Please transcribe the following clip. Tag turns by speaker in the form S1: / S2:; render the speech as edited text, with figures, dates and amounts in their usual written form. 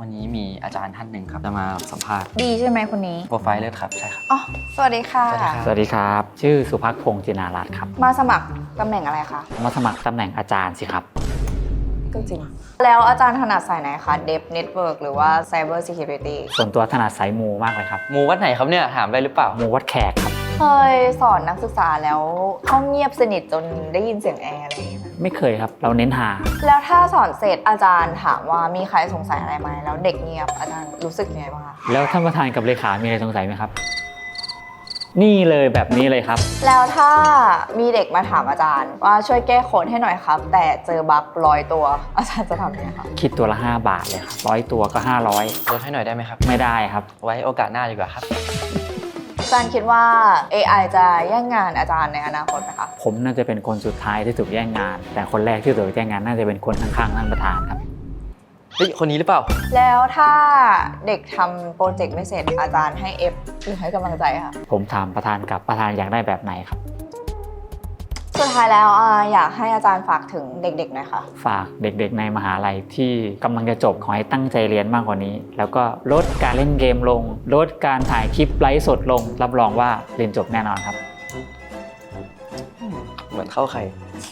S1: วันนี้มีอาจารย์ท่านหนึ่งครับจะมาสัมภาษณ์
S2: ดีใช่ไหมคนนี้
S1: โปรไฟล์เลือดครับใช่ครับ
S2: อ๋อสวัสดีค่ะ
S1: สวัสดีครับ
S3: สวัสดีครับ ชื่อสุภักพงษ์จินารัตน์ครับ
S2: มาสมัครตำแหน่งอะไรคะ
S3: มาสมัครตำแหน่งอาจารย์สิครับ
S2: ก็จริง แล้วอาจารย์ถนัดสายไหนคะ Dev Network หรือว่า Cyber Security
S3: ส่วนตัวถนัดสายมูมากเลยครับ
S1: หมูวัดไหนครับเนี่ยถามได้หรือเปล่า
S3: มูวัดแขกครับ
S2: เคยสอนนักศึกษาแล้วห้องเงียบสนิทจนได้ยินเสียงแอร์อะไรอย่างเงี้ย
S3: ไม่เคยครับ เราเน้นหา
S2: แล้วถ้าสอนเสร็จอาจารย์ถามว่ามีใครสงสัยอะไรไหมแล้วเด็กเงียบอาจารย์รู้สึกยังไงบ้างคะ
S3: แล้วท่านประธานกับเลขา มีอะไรสงสัยไหมครับ นี่เลยแบบนี้เลยครับ
S2: แล้วถ้ามีเด็กมาถามอาจารย์ว่าช่วยแก้โค้ดให้หน่อยครับ แต่เจอบั๊ก100 ตัวอาจารย์จะทำยังไงคะ
S3: คิดตัวละ5 บาทเลยครับ100 ตัวก็500
S1: ลดให้หน่อยได้ไหมครับ
S3: ไม่ได้ครับ
S1: ไว้โอกาสหน้าดีกว่าครับ
S2: อาจารย์คิดว่า AI จะแย่งงานอาจารย์ในอนาคตไหมคะ
S3: ผมน่าจะเป็นคนสุดท้ายที่ถูกแย่งงาน แต่คนแรกที่ถูกแย่งงานน่าจะเป็นคนข้างๆท่านประธานครับ
S1: เฮ้ย คนนี้หรือเปล่า
S2: แล้วถ้าเด็กทำโปรเจกต์ไม่เสร็จอาจารย์ให้ F หรือให้กำลังใจค่ะ
S3: ผมถามประธานกับประธานอยากได้แบบไหนครับ
S2: สุดท้ายแล้วอยากให้อาจารย์ฝากถึงเด็กๆหน่อยค่ะ
S3: ฝากเด็กๆในมหาลัยที่กำลังจะจบขอให้ตั้งใจเรียนมากกว่านี้ แล้วก็ลดการเล่นเกมลง ลดการถ่ายคลิปไลฟ์สดลง รับรองว่าเรียนจบแน่นอนครับ
S1: เหมือนเข้าใคร